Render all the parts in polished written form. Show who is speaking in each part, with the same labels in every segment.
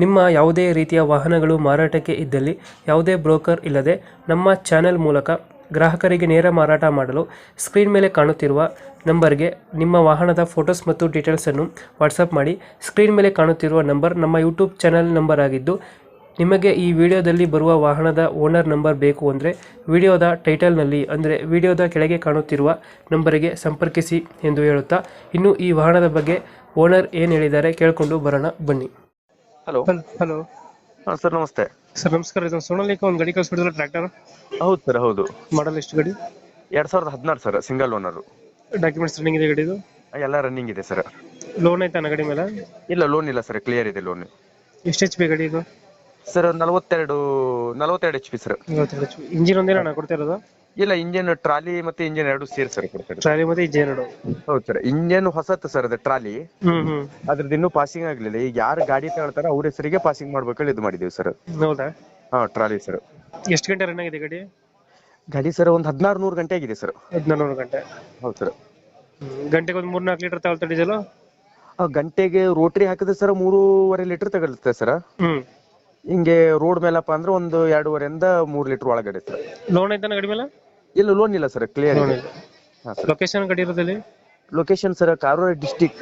Speaker 1: ನಿಮ್ಮ ಯಾವುದೇ ರೀತಿಯ ವಾಹನಗಳು ಮಾರಾಟಕ್ಕೆ ಇದ್ದಲ್ಲಿ ಯಾವುದೇ ಬ್ರೋಕರ್ ಇಲ್ಲದೆ ನಮ್ಮ ಚಾನೆಲ್ ಮೂಲಕ ಗ್ರಾಹಕರಿಗೆ ನೇರ ಮಾರಾಟ ಮಾಡಲು ಸ್ಕ್ರೀನ್ ಮೇಲೆ ಕಾಣುತ್ತಿರುವ ನಂಬರ್ಗೆ ನಿಮ್ಮ ವಾಹನದ ಫೋಟೋಸ್ ಮತ್ತು ಡೀಟೇಲ್ಸನ್ನು ವಾಟ್ಸಪ್ ಮಾಡಿ. ಸ್ಕ್ರೀನ್ ಮೇಲೆ ಕಾಣುತ್ತಿರುವ ನಂಬರ್ ನಮ್ಮ ಯೂಟ್ಯೂಬ್ ಚಾನೆಲ್ ನಂಬರ್ ಆಗಿದ್ದು, ನಿಮಗೆ ಈ ವಿಡಿಯೋದಲ್ಲಿ ಬರುವ ವಾಹನದ ಓನರ್ ನಂಬರ್ ಬೇಕು ಅಂದರೆ ವಿಡಿಯೋದ ಟೈಟಲ್ನಲ್ಲಿ ಅಂದರೆ ವಿಡಿಯೋದ ಕೆಳಗೆ ಕಾಣುತ್ತಿರುವ ನಂಬರಿಗೆ ಸಂಪರ್ಕಿಸಿ ಎಂದು ಹೇಳುತ್ತಾ, ಇನ್ನು ಈ ವಾಹನದ ಬಗ್ಗೆ ಓನರ್ ಏನು ಹೇಳಿದ್ದಾರೆ ಕೇಳಿಕೊಂಡು ಬರೋಣ ಬನ್ನಿ.
Speaker 2: ಹಲೋ.
Speaker 1: ಹಲೋ
Speaker 2: ಹಾಂ ಸರ್, ನಮಸ್ತೆ.
Speaker 1: ಸರ್ ನಮಸ್ಕಾರ. ಇದು ಸೋನಾಲಿಕ ಒಂದು ಗಾಡಿ ಕಳಿಸ್ಬಿಡಿದ್ರೆ ಟ್ರ್ಯಾಕ್ಟರ್
Speaker 2: ಹೌದು ಸರ್, ಹೌದು.
Speaker 1: ಮಾಡಲ್ ಎಷ್ಟು ಗಾಡಿ?
Speaker 2: 2016 sir, single owner.
Speaker 1: Documents running ಇದೆ ಗಾಡಿದು?
Speaker 2: ಎಲ್ಲ ರನ್ನಿಂಗ್ ಇದೆ ಸರ್.
Speaker 1: ಲೋನ್ ಐತಾ ಗಾಡಿ ಮೇಲೆ?
Speaker 2: ಇಲ್ಲ, ಲೋನ್ ಇಲ್ಲ ಸರ್, ಕ್ಲಿಯರ್ ಇದೆ ಲೋನ್.
Speaker 1: ಎಷ್ಟು ಎಚ್ ಪಿ ಗಾಡಿ ಇದು?
Speaker 2: Sir 42 HP sir.
Speaker 1: ಇಂಜಿನ್ ಒಂದೇ ನಾನು ಕೊಡ್ತಿರೋದು?
Speaker 2: ಇಲ್ಲ, ಇಂಜಿನ್ ಟ್ರಾಲಿ ಮತ್ತೆ ಇಂಜಿನ್ ಎರಡು ಸೇರಿ ಸರ್ ಕೊಡ್ತಾರೆ.
Speaker 1: ಟ್ರಾಲಿ ಮತ್ತೆ ಇಂಜಿನ್ ಎರಡು?
Speaker 2: ಹೌದು ಸರ್. ಇಂಜಿನ್ ಹೊಸತ್ತು ಸರ್, ಅದು ಟ್ರಾಲಿ.
Speaker 1: ಹ್ಮ್.
Speaker 2: ಅದ್ರದ್ದು ಇನ್ನೂ ಪಾಸಿಂಗ್ ಆಗ್ಲಿಲ್ಲ. ಈಗ ಯಾರು ಗಾಡಿ ತಗೊಳ್ತಾರ ಅವ್ರ ಹೆಸರಿಗೆ ಪಾಸಿಂಗ್ ಮಾಡ್ಬೇಕಲ್ಲಿ ಇದು ಮಾಡಿದೀವಿ ಸರ್.
Speaker 1: ಹೌದಾ?
Speaker 2: ಹಾ, ಟ್ರಾಲಿ ಸರ್.
Speaker 1: ಎಷ್ಟು ಗಂಟೆ ರನ್ ಆಗಿದೆ ಗಾಡಿ?
Speaker 2: ಗಾಡಿ ಸರ್ ಒಂದು 1600 ಗಂಟೆ ಆಗಿದೆ ಸರ್.
Speaker 1: 1600 ಗಂಟೆ?
Speaker 2: ಹೌದು ಸರ್.
Speaker 1: ಗಂಟೆಗೆ ಒಂದು 3-4 ಲೀಟರ್ ತಗೊಳ್ತಾ ಡೀಸೆಲ್?
Speaker 2: ಗಂಟೆಗೆ ರೋಟ್ರಿ ಹಾಕಿದ್ರೆ ಸರ್ 3.5 ಲೀಟರ್ ತಗೊಳುತ್ತೆ ಸರ್. ಹಿಂಗೆ ರೋಡ್ ಮೇಲಪ್ಪ ಅಂದ್ರೆ ಒಂದು 2.5 3 ಲೀಟರ್ ಒಳಗಡೆ ಸರ್.
Speaker 1: ಲೋನ್ ಐತಾನ ಗಾಡಿ ಮೇಲೆ?
Speaker 2: ಇಲ್ಲ, ಲೋನ್ ಇಲ್ಲ ಸರ್, ಕ್ಲಿಯರ್ ಇದೆ.
Speaker 1: ಲೊಕೇಶನ್ ಗಾಡಿ ಇರೋದಲ್ಲಿ?
Speaker 2: Location sir Karwar district,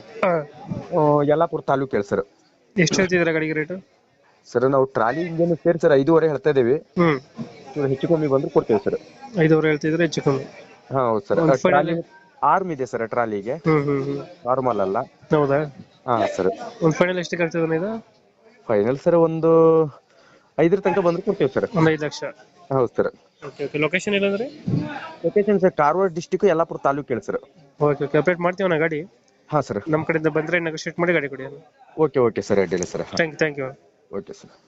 Speaker 2: Yellapur taluk ಹೇಳಿ ಸರ್.
Speaker 1: ಎಷ್ಟು ಹೇಳ್ತಿದ್ರ ಗಾಡಿಗೆ ರೇಟ್?
Speaker 2: ಸರ್ ನಾವು ಟ್ರಾಲಿ ಇಂಜಿನ್ ಸೇರಿ ಸರ್ 5.5 ಹೇಳ್ತಾ ಇದೀವಿ. ಹೆಚ್ಚು ಕಮ್ಮಿ ಬಂದ್ರೆ ಕೊಡ್ತೇವೆ ಸರ್.
Speaker 1: 5.5 ಹೇಳ್ತಿದ್ರೆ ಹೆಚ್ಚು ಕಮ್ಮಿ?
Speaker 2: ಹಾ, ಹೌದು ಸರ್. ಟ್ರಾಲಿ ಆರ್ಮ್ ಇದೆ ಸರ್ ಟ್ರಾಲಿಗೆ, ನಾರ್ಮಲ್ ಅಲ್ಲ.
Speaker 1: ಹೌದಾ?
Speaker 2: ಹಾ ಸರ್.
Speaker 1: ಒಂದು ಫೈನಲ್ ಎಷ್ಟಕ್ಕೆ ಆಗ್ತದೆ ಇದು?
Speaker 2: ಫೈನಲ್ ಸರ್ ಒಂದು 5 ತನಕ ಬಂದ್ರೆ ಕೊಡ್ತೇವೆ ಸರ್.
Speaker 1: ಒಂದು 5 ಲಕ್ಷ?
Speaker 2: ಹೌದು ಸರ್.
Speaker 1: ಲೊಕೇಶನ್ ಇಲ್ಲಂದ್ರೆ?
Speaker 2: Location sir Karwar district, Yellapur taluk ಹೇಳಿ ಸರ್.
Speaker 1: ಓಕೆ, ಅಪ್ಡೇಟ್ ಮಾಡ್ತೀವಿ ಗಾಡಿ.
Speaker 2: ಹಾ ಸರ್.
Speaker 1: ನಮ್ಮ ಕಡೆಯಿಂದ ಬಂದ್ರೆ ನೆಗೋಶಿಯೇಟ್ ಮಾಡಿ ಗಾಡಿ ಕೊಡಿ.
Speaker 2: ಓಕೆ ಸರ್, ಅಡ್ಡಿಲ್ಲ sir.
Speaker 1: Thank you.
Speaker 2: Okay sir.